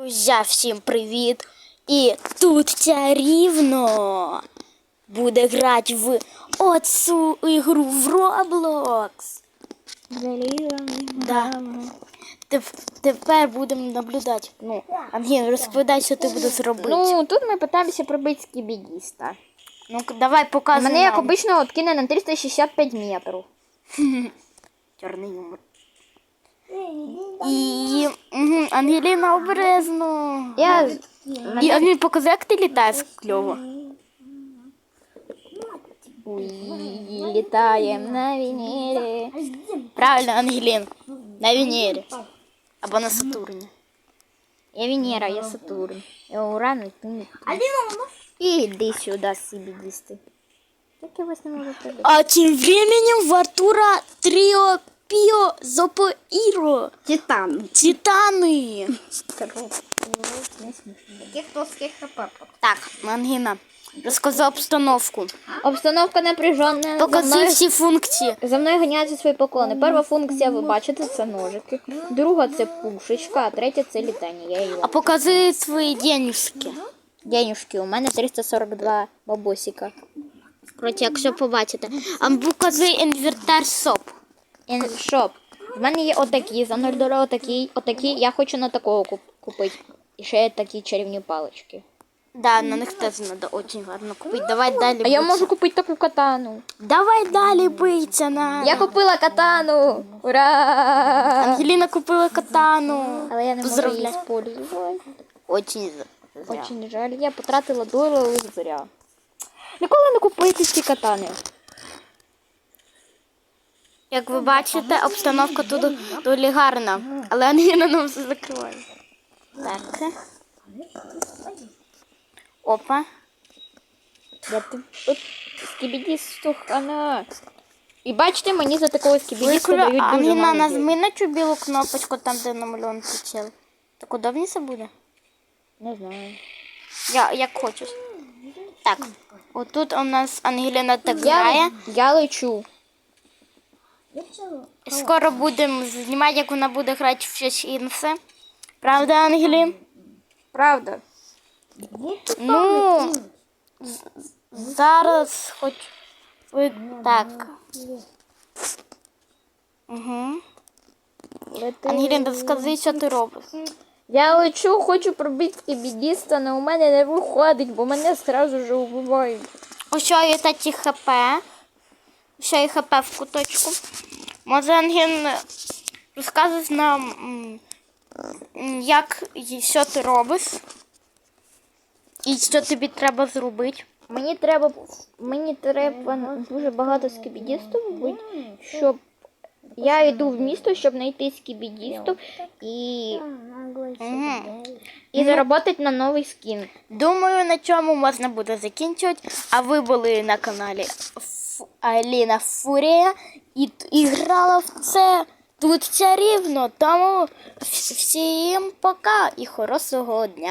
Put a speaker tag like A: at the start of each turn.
A: Друзі, всім привіт! І тут чарівно буде грати в оцю ігру в Roblox. Да. Тепер будемо наблюдати. Ну, Ангін, розповідай, що ти будеш робити.
B: Ну, тут ми питаємося пробити скібідіста.
A: Ну, давай показуй
B: Мене, як
A: нам.
B: обично, откине на 365 метрів.
A: Чорний юмор. І Ангеліна обережно. І Ангеліна, показуй, як ти літаєш кльово.
B: Літаємо на Венері.
A: Правильно, Ангелін. На Венері. Або на Сатурні.
B: Я Венера, я Сатурн. Я Уран, і ти не. І йди сюди, скібідісти. Як я вас не можу пробити?
A: А тем временем в Артура Трио Пио Зопоиро. Титаны.
B: Таких плоских хп.
A: Так, Ангина, розказав обстановку.
B: Обстановка напряжена.
A: Показуй всі функції.
B: За мною ганяються свої поклони. Перша функція, ви бачите, це ножики. Друга це пушечка, а третя це літання. Я її
A: А показуй свої денежки.
B: денюшки. У мене 342 бабосика.
A: Короче, якщо побачите. А показуй інвентар СОП.
B: Шоп. В мене є отакі, за 0 доларів отакі. Я хочу на такого купити. І ще є такі чарівні палички.
A: Да, на них теж треба дуже гарно купити. Давай далі
B: А я
A: биться.
B: можу купити таку катану.
A: Давай далі биться на.
B: Я купила катану! Ура!
A: Ангеліна купила катану.
B: Але я не можу її
A: Поздравляю.
B: использовать.
A: Очень зря.
B: Очень жаль, я потратила доларів зря. Ніколи не купуйте ці катани.
A: Як ви бачите, обстановка тут доволі гарна, але Ангеліна нам все закриває. Так. Опа.
B: Я тут скібідісту хана. І бачите, мені за такого скібідіста дають дуже
A: Ангеліна,
B: мало
A: нажми
B: денег.
A: на цю білу кнопочку, там де намальований прицел. Так удобніше буде?
B: Не знаю.
A: Як хочеш. Так, отут у нас Ангеліна так грає.
B: Я лечу.
A: Скоро будемо знімати, як вона буде грати в щось інше. Правда, Ангелін?
B: Правда.
A: Ну, зараз хоч так. Угу. Ангелін, розкажи, що ти робиш.
B: Я лечу, хочу пробити скібідіста, але у мене не виходить, бо мене одразу вже вбивають.
A: Ось що є такі ХП. Ще є ХП в куточку. Може, Ангелін, розказуєш нам, як і що ти робиш? І що тобі треба зробити?
B: Мені треба дуже багато скібідістів бути, щоб я йду в місто, щоб знайти скібідістів і заробити на новий скін.
A: Думаю, на чому можна буде закінчувати. А ви були на каналі Аліна Фурія і грала в це тут чарівно. Тому всім пока і хорошого дня.